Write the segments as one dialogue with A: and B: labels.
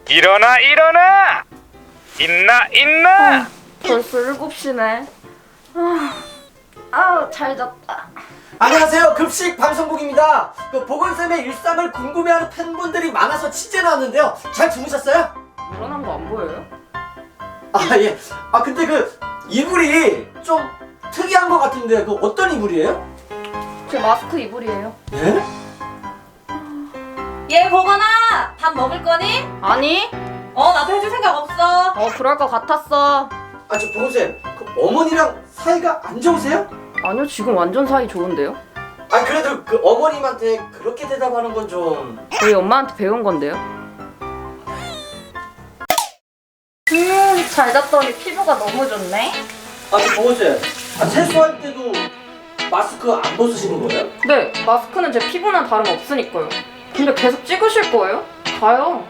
A: 일어나 일어나! 있나?
B: 벌써 7시네. 잘 잤다.
C: 안녕하세요. 급식 방송국입니다. 보건쌤의 일상을 궁금해하는 팬분들이 많아서 취재 나왔는데요. 잘 주무셨어요?
B: 일어난 거 안 보여요?
C: 예. 근데 이불이 좀 특이한 것 같은데 어떤 이불이에요?
B: 제 마스크 이불이에요.
C: 예?
D: 얘 보거나 밥 먹을 거니?
B: 아니?
D: 나도 해줄 생각 없어.
B: 그럴 것 같았어.
C: 저 보건쌤, 어머니랑 사이가 안 좋으세요?
B: 아니요, 지금 완전 사이 좋은데요?
C: 그래도 어머님한테 그렇게 대답하는 건 좀...
B: 저희 엄마한테 배운 건데요. 잘 잤더니 피부가 너무 좋네.
C: 저 보건쌤, 세수할 때도 마스크 안 벗으시는 거예요?
B: 네, 마스크는 제 피부는 다름없으니까요. 근데 계속 찍으실 거예요? 가요.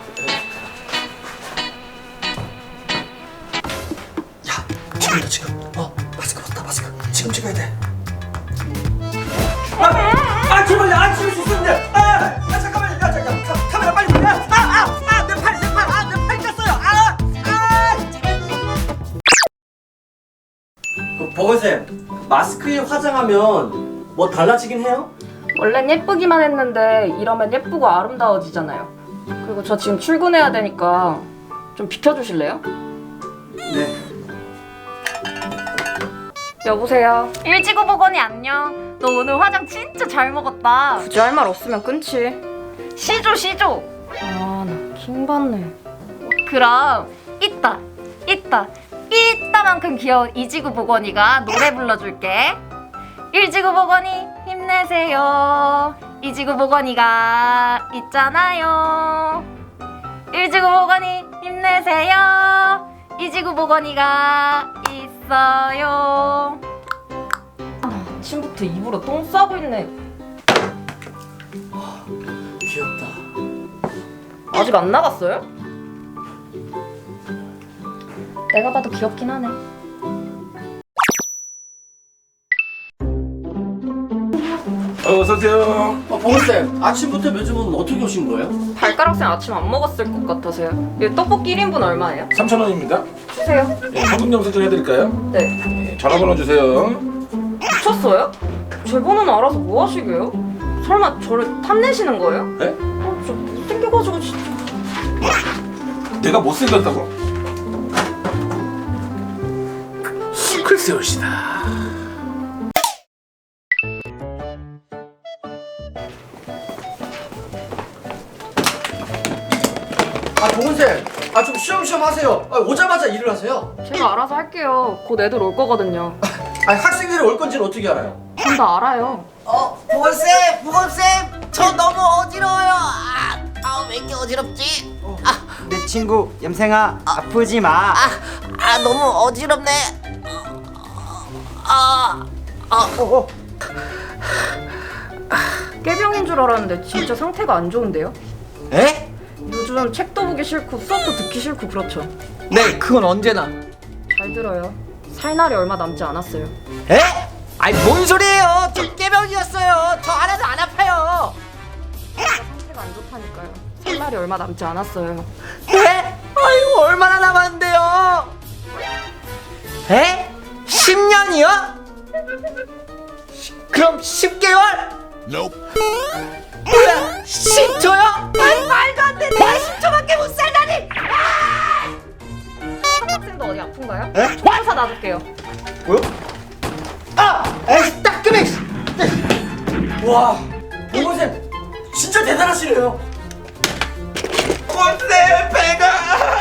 C: 지금이다 지금. 마스크 벗다 마스크. 지금 찍어야 돼. 제발요. 찍을 수 있었는데. 잠깐만요. 잠깐. 카메라 빨리 돌려. 내 팔 꼈어요. 보건쌤, 마스크에 화장하면 뭐 달라지긴 해요?
B: 원래는 예쁘기만 했는데 이러면 예쁘고 아름다워지잖아요. 그리고 저 지금 출근해야 되니까 좀 비켜주실래요?
C: 네.
B: 여보세요?
D: 일지구 보거니 안녕. 너 오늘 화장 진짜 잘 먹었다.
B: 굳이 할 말 없으면 끊지.
D: 시조.
B: 나 킹받네.
D: 그럼 이따만큼 귀여운 이지구 보거니가 노래 불러줄게. 일지구 보거니 힘내세요. 이지구 보거니가 있잖아요. 일지구 보거니 힘내세요. 이지구 보거니가 있어요.
B: 아침부터 입으로 똥 싸고 있네.
C: 귀엽다.
B: 아직 안 나갔어요? 내가 봐도 귀엽긴 하네.
E: 어서오세요.
C: 보건쌤, 아침부터 요즘은 어떻게 오신 거예요?
B: 발가락쌤 아침 안 먹었을 것 같아서요. 이 떡볶이 1인분 얼마예요?
E: 3,000원입니다.
B: 주세요.
E: 현금 영수증 해드릴까요?
B: 네.
E: 전화번호 주세요.
B: 미쳤어요? 제 번호는 알아서 뭐 하시게요? 설마 저를 탐내시는 거예요?
E: 네?
B: 저 못생겨가지고 진짜.
E: 내가 못생겼다고? 글쎄요시다.
C: 보건쌤, 좀 쉬엄쉬엄 하세요. 오자마자 일을 하세요.
B: 제가 알아서 할게요. 곧 애들 올 거거든요.
C: 학생들이 올 건지는 어떻게 알아요?
B: 전 다 알아요.
F: 보건쌤, 저 너무 어지러워요. 왜 이렇게 어지럽지?
G: 내 친구 염생아 아프지 마.
F: 너무 어지럽네.
B: 깨병인 줄 알았는데 진짜 상태가 안 좋은데요?
G: 에?
B: 요즘 책도 보기 싫고 수업도 듣기 싫고 그렇죠.
G: 네, 그건 언제나.
B: 잘 들어요. 살 날이 얼마 남지 않았어요.
G: 에? 아니 뭔 소리예요? 저 깨병이었어요. 저 안 해도 안 아파요.
B: 상태가 안 좋다니까요. 살 날이 얼마 남지 않았어요.
G: 에? 아이고 얼마나 남았는데요? 에? 10년이요? 그럼 10개월? 뭐야 10초요? 아니 말도 안 돼. 내가 10초밖에 못 살다니.
B: 학생도 어디 아픈가요?
G: 에?
B: 조사 놔둘게요.
G: 뭐요? 에이 따끔해.
C: 와, 보건쌤 진짜 대단하시네요.
E: 꼰대 배가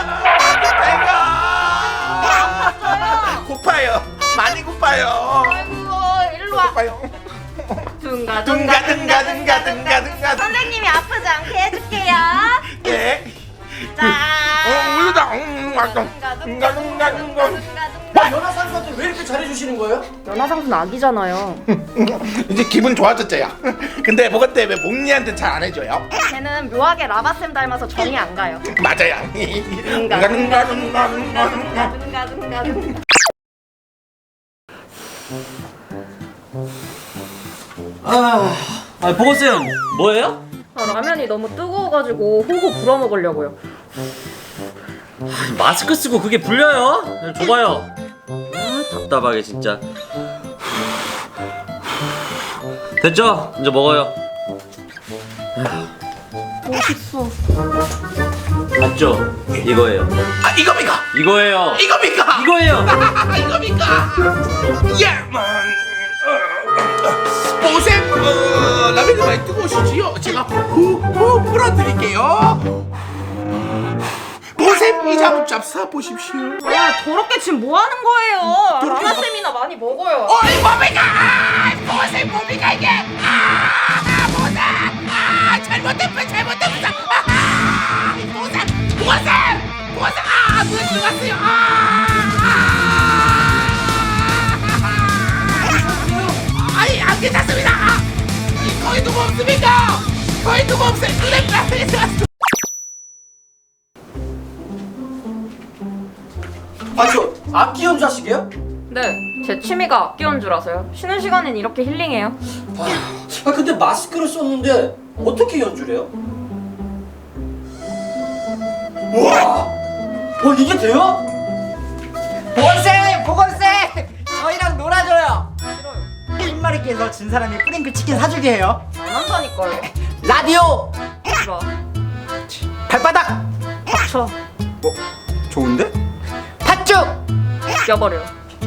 E: 고파요. 많이 고파요.
D: 아이고 일로 와.
E: 고파요.
D: 둥가. 선생님이 아프지 않게 해줄게요.
E: 네.
D: 자.
E: 우유다.
C: 연하상수한테 왜 이렇게 잘해주시는 거예요?
B: 연하상수는 아기잖아요.
E: 이제 기분 좋아졌죠요. 근데 뭐가 때문에 목니한테 잘 안 해줘요?
B: 걔는 묘하게 라바쌤 닮아서 정이 안 가요.
E: 맞아요.
C: 보건쌤 뭐예요?
B: 라면이 너무 뜨거워가지고 호호 불어 먹으려고요.
G: 마스크 쓰고 그게 불려요? 줘봐요. 아, 답답하게 진짜. 됐죠? 이제 먹어요.
D: 멋있어.
G: 맞죠? 이거예요.
E: 아 이겁니까?
G: 이거예요.
E: 이겁니까?
G: 이거예요.
E: 이겁니까? 예만 보셈 라면이 많이 뜨거우시지요? 제가 후 불어드릴게요. 보셈 이 잡사 보십시오.
B: 아, 더럽게 지금 뭐 하는 거예요? 라마쌤이나 많이 먹어요.
E: 어이 뭡니까? 보셈 뭡니까 이게? 보셈 잘못됐어 보셈 눈 들어갔어요. 아이 안 괜찮습니다. 거기 누구 없습니까? 거기 누구 없어요? 눈에 빠졌어.
C: 저 악기 연주하시게요?
B: 네, 제 취미가 악기 연주라서요. 쉬는 시간엔 이렇게 힐링해요.
C: 근데 마스크를 썼는데 어떻게 연주를 해요? 우와! 이게 돼요?
G: 보건쌤! 저희랑 놀아줘요.
B: 싫어요.
G: 흰머리께서 진 사람이 프링클 치킨 사주게 해요.
B: 안 한다니까요.
G: 라디오!
B: 좋아.
G: 발바닥!
B: 닥쳐.
G: 좋은데? 팥죽!
B: 껴버려.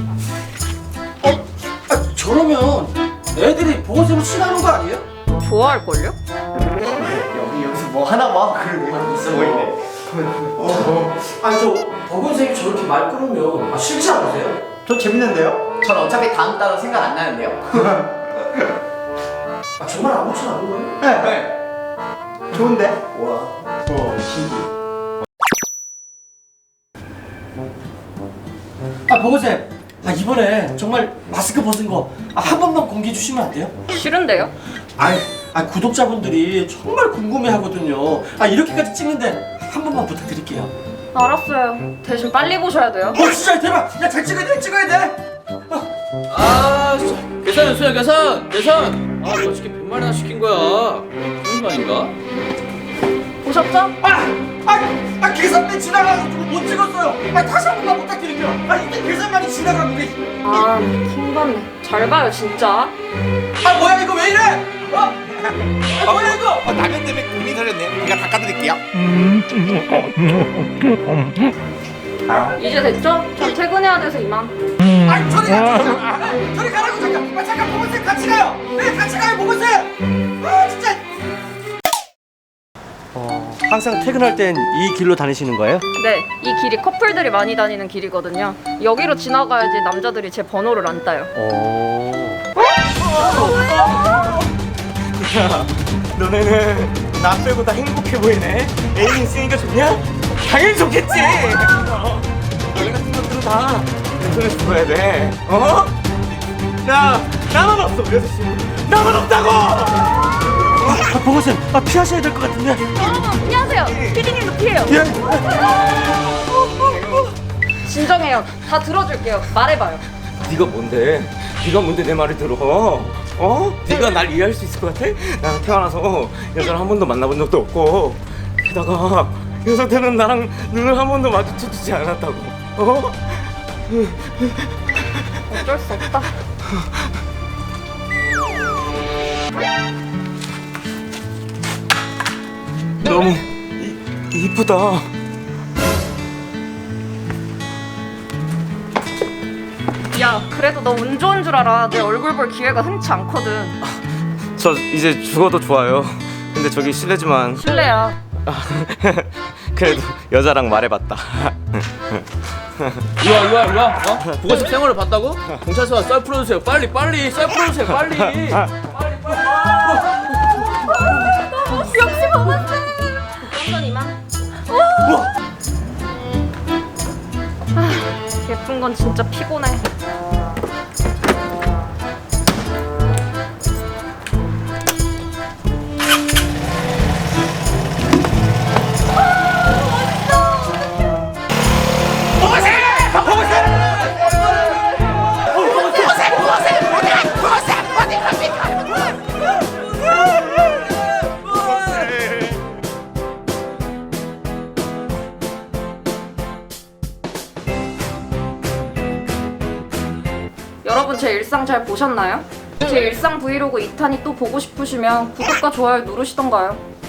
C: 저러면 애들이 보건쌤을 싫어하는 거 아니에요?
B: 좋아할걸요?
G: 여기서 뭐 하나 봐. 그러고 있어 보이네.
C: 저 보건쌤이 저렇게 말 끊으면 싫지 않으세요?
G: 저 재밌는데요? 전 어차피 다음 달은 생각 안 나는데요.
C: 정말 아무렇지 않은 거예요?
G: 네. 좋은데? 와. 신기해.
C: 보건쌤 이번에 정말 마스크 벗은 거 한 번만 공개해 주시면 안 돼요?
B: 싫은데요?
C: 구독자분들이 정말 궁금해 하거든요. 이렇게까지 찍는데 한 번만 부탁드릴게요.
B: 알았어요. 대신 빨리 보셔야 돼요.
C: 진짜 대박! 잘 찍어야 돼!
H: 계산 수야 계산 너 어떻게 100마리나 시킨 거야 무슨 말인가?
B: 보셨죠?
C: 계산대 지나가서 못 찍었어요. 다시 한 번만 부탁드릴게요. 이때 계산만이 지나가는 게.
B: 아, 킹받네. 잘 봐요, 진짜.
C: 뭐야 이거 왜 이래? 뭐야 이거?
E: 라면 때문에 고민이 털렸네요. 제가 닦아드릴게요.
B: 이제 됐죠? 전 퇴근해야 돼서 이만.
C: 저리 가라고 잠깐 보건쌤 같이 가요. 네 같이 가요 보건쌤. 진짜.
I: 항상 퇴근할 땐 이 길로 다니시는 거예요?
B: 네, 이 길이 커플들이 많이 다니는 길이거든요. 여기로 지나가야지 남자들이 제 번호를 안 따요.
I: 너네는 나 빼고 다 행복해 보이네. 애인 있으니까 좋냐? 당연히 좋겠지. 너네 같은 것들은 다 인터넷 죽어야 돼. 나만 없어. 6시 나만 없다고. 보고쌤 피하셔야 될 것 같은데.
B: 여러분, 피하세요. 피디님도 피해요. 진정해요. 다 들어줄게요. 말해봐요.
I: 네가 뭔데 내 말을 들어? 네가 날 이해할 수 있을 것 같아? 나는 태어나서 여자를 한 번도 만나본 적도 없고 게다가 여자들은 나랑 눈을 한 번도 마주쳐주지 않았다고.
B: 어쩔 수 없다.
I: 너무 이쁘다.
B: 야, 그래도 너 운 좋은 줄 알아. 내 얼굴 볼 기회가 흔치 않거든.
I: 저 이제 죽어도 좋아요. 근데 저기 실례지만
B: 실례야.
I: 그래도 여자랑 말해봤다.
H: 일로와 보건쌤 생활을 봤다고? 경찰서 썰 풀어주세요 빨리 썰 풀어주세요 빨리
B: 역시 먹었어. 완전 이만. 예쁜 건 진짜 피곤해. 여러분 제 일상 잘 보셨나요? 제 일상 브이로그 2탄이 또 보고 싶으시면 구독과 좋아요 누르시던가요.